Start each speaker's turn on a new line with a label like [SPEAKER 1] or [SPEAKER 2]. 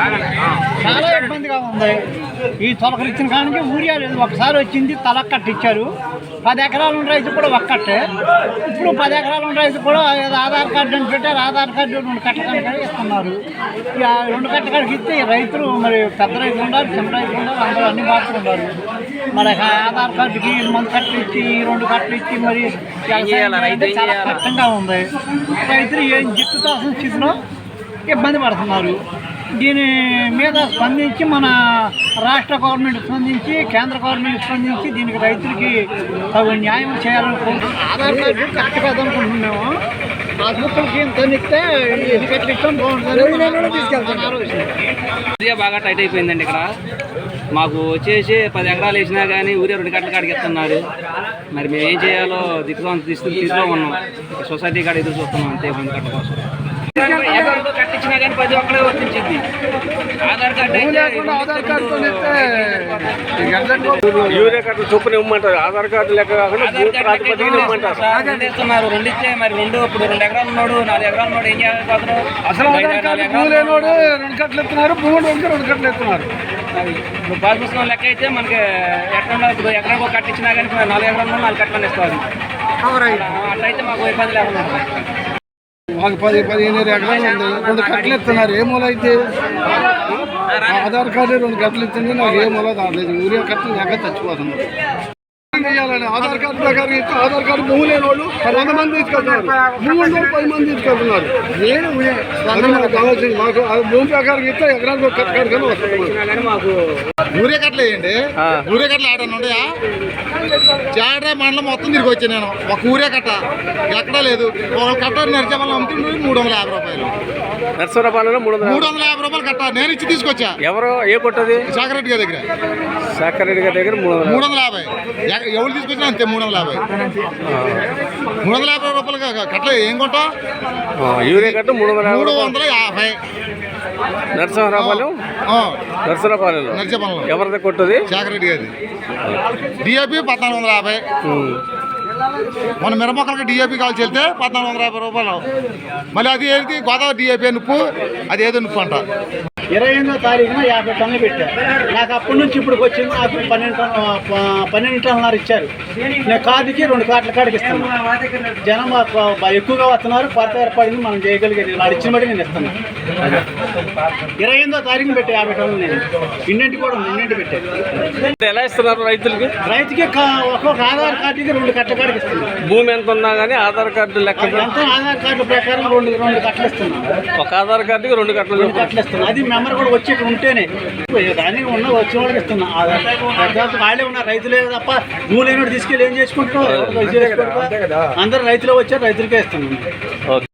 [SPEAKER 1] చాలా ఇబ్బందిగా ఉంది. ఈ తొలకరిచ్చిన కానికి ఊరియా లేదు. ఒకసారి వచ్చింది తలక్కట్ట ఇచ్చారు. 10 ఎకరాలు ఉన్న రైతు కూడా ఒక్కట్టే. ఇప్పుడు 10 ఎకరాలు ఉన్న రైతు కూడా ఆధార్ కార్డు అని పెట్టారు. ఆధార్ కార్డు 2 కట్ట కాడికి ఇస్తున్నారు. 2 కట్ట కాడికి ఇస్తే రైతులు మరి పెద్ద రైతులు ఉన్నారు, చిన్న రైతులు ఉన్నారు, అందరూ అన్ని బాగుతున్నారు. మరి ఆధార్ కార్డుకి 1 కట్టలు ఇచ్చి 2 కట్టలు ఇచ్చి మరి చాలా కష్టంగా ఉంది. రైతులు ఏం జిట్టుతాల్సిన స్థితిలో ఇబ్బంది పడుతున్నారు. దీని మీద స్పందించి మన రాష్ట్ర గవర్నమెంట్ స్పందించి, కేంద్ర గవర్నమెంట్ స్పందించి దీనికి రైతులకి తగు న్యాయం చేయాలనుకుంటున్నాం. ఆధార్ కార్డు కరెక్ట్ కాదనుకుంటున్నాము. పాస్బుక్లకి తనిస్తే ఎన్నికట్లు ఇస్తాం బాగుంటుంది తీసుకెళ్తాం.
[SPEAKER 2] బాగా టైట్ అయిపోయిందండి. ఇక్కడ మాకు వచ్చేసి 10 ఎకరాలు వేసినా కానీ ఊరే 2 కట్టల కాడికి ఇస్తున్నారు. మరి మేము ఏం చేయాలో దిక్కులో ఉన్నాం. సొసైటీ కాడ ఎదురు చూస్తున్నాం అంతే 2 కట్ట కోసం. కట్టించినా కానీ 10 ఒక్కడే వర్తించింది. ఆధార్ కార్డు
[SPEAKER 3] యూరియా కార్డు చొప్పున ఇవ్వమంటారు. ఆధార్ కార్డు లెక్క కాకుండా ఇవ్వమంటారు.
[SPEAKER 2] 2 ఇస్తున్నారు. 2 ఇస్తే మరి 2 ఇప్పుడు 2 ఎకరాలు ఉన్నాడు, 4 ఎకరాలు ఉన్నాడు, ఏం చేయాలి?
[SPEAKER 1] అసలు 2 కట్టలు ఇస్తున్నారు, భూములు 2 కట్టలు ఇస్తున్నారు.
[SPEAKER 2] ఇప్పుడు పాస్ పుస్తకం లెక్క అయితే మనకి ఎక్కడ ఇప్పుడు ఎకరానికి 1 కట్ట ఇచ్చినా కానీ 4 ఎకరాలు 4 కట్టలు ఇస్తారు. అట్లయితే మాకు ఇబ్బంది లేకుండా
[SPEAKER 1] మాకు 10-15 ఎకరాలు ఉంది, 2 కట్టలు ఇస్తున్నారు. ఏ మూల అయితే ఆధార్ కార్డు 2 కట్టలు ఇచ్చింది, నాకు ఏ మూల దాడలేదు. ఊరియా కట్టలు లేక చచ్చిపోతుంది. ఆధార్ కార్డు ప్రకారం ఇస్తే ఆధార్ కార్డు భూమి లేని వాళ్ళు 100 మంది తీసుకెళ్తున్నారు, భూమి 10 మంది తీసుకెళ్తున్నారు. మాకు భూమి ప్రకారం ఇస్తే ఎకరానికి 1 కట్ట కానీ వస్తుంది.
[SPEAKER 2] మాకు
[SPEAKER 4] ఊరే కట్టలు వేయండి. ఊరే కట్టలు ఆడని ఉన్నాయా? జాడ్రా మండలం మొత్తం తిరిగి వచ్చాను నేను. ఒక ఊరే కట్ట ఎక్కడా లేదు. ఒక కట్ట నడిచేవాళ్ళు అమ్ముతుండే 350 రూపాయలు.
[SPEAKER 3] నర్సరాపాలలో
[SPEAKER 4] 350 రూపాయలు కట్ట నేను ఇచ్చి తీసుకొచ్చా.
[SPEAKER 3] ఎవరు ఏ కొట్టది?
[SPEAKER 4] సాకరెడ్డి గారి దగ్గర.
[SPEAKER 3] సాకరెడ్డి గారి దగ్గర
[SPEAKER 4] 350. ఎవరు తీసుకొచ్చినా అంతే 350. 350 రూపాయలు కట్టలు ఏం కొంటా?
[SPEAKER 3] యూరియా కట్ట
[SPEAKER 4] 350.
[SPEAKER 3] నర్సరాపాలెం ఎవరిది కొట్టది?
[SPEAKER 4] సాకరెడ్డి గారి. డిఏపి 1450. మన మిరమొక్కలకి డిఏపి కావాల్సి వెళ్తే 1450 రూపాయలు. మళ్ళీ అది ఏది గోదావరి డిఏపి నుప్పు, అది ఏదో నుప్పు అంట.
[SPEAKER 1] 28వ తారీఖున 50 టన్నులు పెట్టారు. నాకు అప్పటి నుంచి ఇప్పుడు వచ్చింది నాకు 12 టన్నులు ఇచ్చారు. నేను కార్డుకి 2 కార్డుల కాడికి ఇస్తాను. జనం ఎక్కువగా వస్తున్నారు. కొరత ఏర్పడింది, మనం చేయగలిగేది. వాడు ఇచ్చిన బట్టి నేను ఇస్తాను. 28వ తారీఖున పెట్టి 50 టన్నులు నేను ఇన్నింటి కూడా ఇన్నింటి పెట్టాను.
[SPEAKER 3] ఎలా ఇస్తున్నారు రైతులకి?
[SPEAKER 1] రైతుకి ఒక్కొక్క ఆధార్ కార్డుకి 2 కట్ల కాడికి ఇస్తున్నాను.
[SPEAKER 3] భూమి ఎంత ఉన్నా కానీ ఆధార్ కార్డు లెక్క
[SPEAKER 1] ఎంత ఆధార్ కార్డు ప్రకారం 2 కట్టలు ఇస్తున్నాను.
[SPEAKER 3] ఒక ఆధార్ కార్డుకి 2 కట్టలు
[SPEAKER 1] ఇస్తున్నాను. అది మెంబర్ కూడా వచ్చి ఇక్కడ ఉంటేనే దానికి ఉన్న వచ్చిన వాళ్ళకి ఇస్తున్నా. వాళ్ళే ఉన్నారు, రైతులే తప్ప భూమి లేని తీసుకెళ్ళి ఏం చేసుకుంటారు? అందరూ రైతులు వచ్చారు, రైతులకే ఇస్తున్నాను.